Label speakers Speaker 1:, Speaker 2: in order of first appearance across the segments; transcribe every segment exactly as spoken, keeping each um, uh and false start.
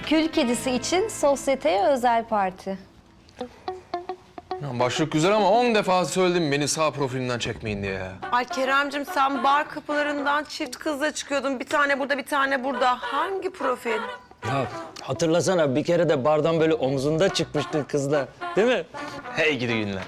Speaker 1: Kül kedisi için sosyeteye özel parti.
Speaker 2: Ya başlık güzel ama on defa söyledim beni sağ profilimden çekmeyin diye ya.
Speaker 3: Ay Keremcim sen bar kapılarından çift kızla çıkıyordun. Bir tane burada, bir tane burada. Hangi profil?
Speaker 4: Ya hatırlasana bir kere de bardan böyle omzunda çıkmıştın kızla. Değil mi?
Speaker 2: Hey gidi günler.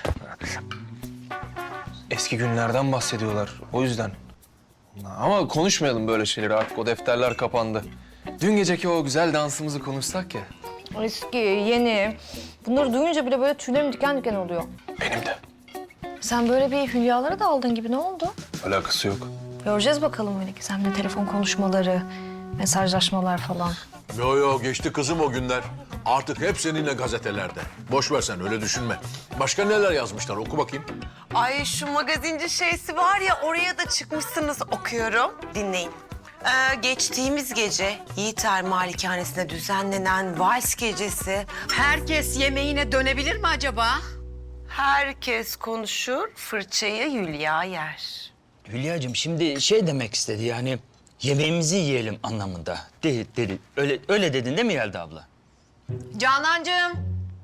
Speaker 2: Eski günlerden bahsediyorlar o yüzden. Ama konuşmayalım böyle şeyleri artık o defterler kapandı. Dün geceki o güzel dansımızı konuşsak ya.
Speaker 1: Eski, yeni. Bunları duyunca bile böyle tüylerim diken diken oluyor.
Speaker 2: Benim de.
Speaker 1: Sen böyle bir hülyalara daldın gibi, ne oldu?
Speaker 2: Alakası yok.
Speaker 1: Göreceğiz bakalım öyle ki. Seninle telefon konuşmaları, mesajlaşmalar falan.
Speaker 5: Yo yo geçti kızım o günler. Artık hep seninle gazetelerde. Boş ver sen öyle düşünme. Başka neler yazmışlar oku bakayım.
Speaker 3: Ay şu magazinci şeysi var ya, oraya da çıkmışsınız, okuyorum. Dinleyin. Ee, geçtiğimiz gece Yiğiter Malikanesi'nde düzenlenen vals gecesi.
Speaker 6: Herkes yemeğine dönebilir mi acaba?
Speaker 3: Herkes konuşur, fırçayı Hülya yer.
Speaker 4: Hülya'cığım şimdi şey demek istedi yani yemeğimizi yiyelim anlamında. Dedi, dedi. Öyle, öyle dedin değil mi Yelda abla?
Speaker 6: Canancığım.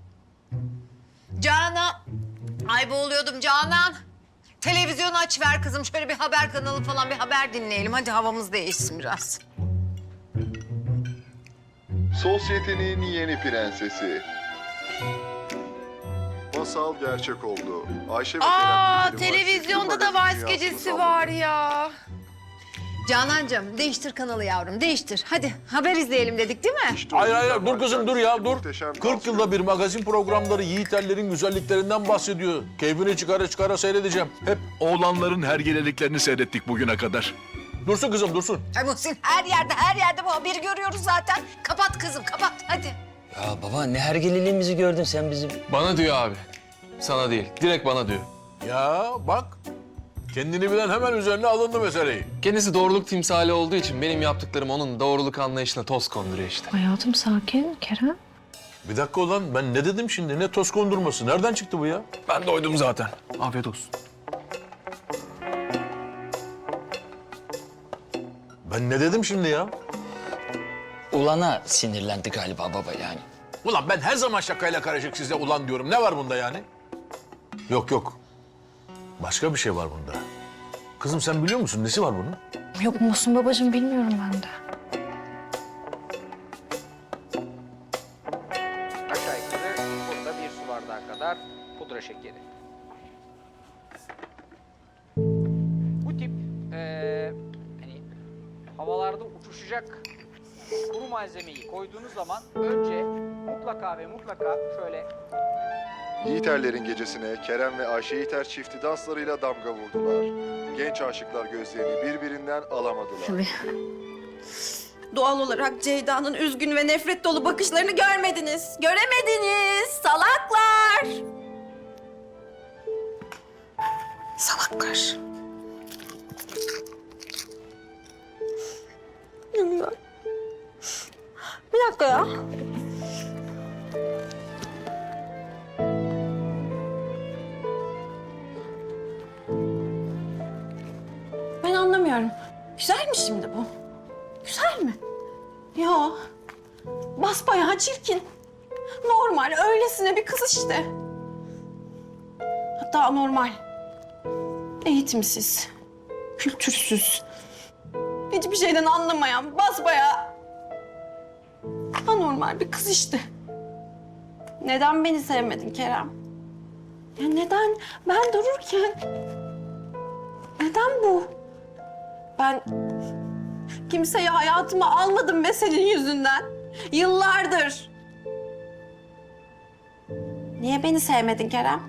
Speaker 6: Canan. Ay boğuluyordum Canan. Televizyonu aç ver kızım. Şöyle bir haber kanalı falan bir haber dinleyelim. Hadi havamız değişsin biraz.
Speaker 7: Sosyetenin yeni prensesi. Masal gerçek oldu. Ayşe ve
Speaker 3: Aa,
Speaker 7: Kerem Gül'ün
Speaker 3: televizyonda
Speaker 7: vals
Speaker 3: da vals
Speaker 7: dünyasını
Speaker 3: gecesi
Speaker 7: salladı.
Speaker 3: var ya.
Speaker 6: Canancığım değiştir kanalı yavrum değiştir. Hadi haber izleyelim dedik değil mi?
Speaker 7: İşte
Speaker 5: Hayır
Speaker 7: o
Speaker 5: hayır
Speaker 7: yüzden
Speaker 5: dur kızım dur ya dur.
Speaker 7: muhteşem dans
Speaker 5: kırk yılda bir magazin programları Yiğiterlerin güzelliklerinden bahsediyor. Keyfini çıkara çıkara seyredeceğim. Hep
Speaker 8: Oğlanların hergeleliklerini seyrettik bugüne kadar.
Speaker 5: dursun kızım dursun.
Speaker 6: Ay Muhsin her yerde her yerde bu haberi görüyoruz zaten. Kapat kızım kapat hadi.
Speaker 4: Ya baba ne hergeliliğimizi gördün sen bizim.
Speaker 2: Bana diyor abi. Sana değil. Direkt bana diyor.
Speaker 5: Ya bak kendini bilen hemen üzerine alındı meseleyi.
Speaker 2: Kendisi doğruluk timsali olduğu için benim yaptıklarım onun doğruluk anlayışına toz konduruyor işte.
Speaker 1: Hayatım sakin, Kerem.
Speaker 5: Bir dakika ulan ben ne dedim şimdi ne toz kondurması nereden çıktı bu ya?
Speaker 2: Ben doydum zaten. Afiyet olsun.
Speaker 5: Ben ne dedim şimdi ya?
Speaker 4: Ulana sinirlendi galiba baba yani.
Speaker 5: Ulan ben her zaman şakayla karışık size ulan diyorum. Ne var bunda yani? Yok yok. Başka bir şey var bunda. Kızım sen biliyor musun nesi var bunun?
Speaker 1: Yok Muhsin babacığım, bilmiyorum ben de.
Speaker 9: Aşağı yukarı burada bir su bardağı kadar pudra şekeri. Bu tip eee hani havalarda uçuşacak kuru malzemeyi koyduğunuz zaman önce mutlaka ve mutlaka şöyle
Speaker 7: Yiğiterlerin gecesine Kerem ve Ayşe Yiğiter çifti danslarıyla damga vurdular. Genç aşıklar gözlerini birbirinden alamadılar.
Speaker 10: Doğal olarak Ceyda'nın üzgün ve nefret dolu bakışlarını görmediniz. Göremediniz salaklar. Salaklar. Bir dakika ya. Ben anlamıyorum. Güzel mi şimdi bu? Güzel mi? Ya basbayağı çirkin. Normal, öylesine bir kız işte. Hatta normal. Eğitimsiz, kültürsüz, hiçbir şeyden anlamayan, basbayağı anormal bir kız işte. Neden beni sevmedin Kerem? Ya neden ben dururken? Neden bu? Ben kimseyi hayatıma almadım be senin yüzünden. Yıllardır. Niye beni sevmedin Kerem?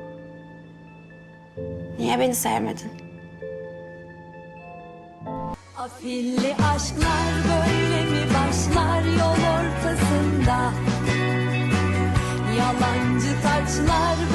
Speaker 10: Niye beni sevmedin?
Speaker 11: Afilli aşklar böyle mi başlar yol ortasında? Yalancı taçlar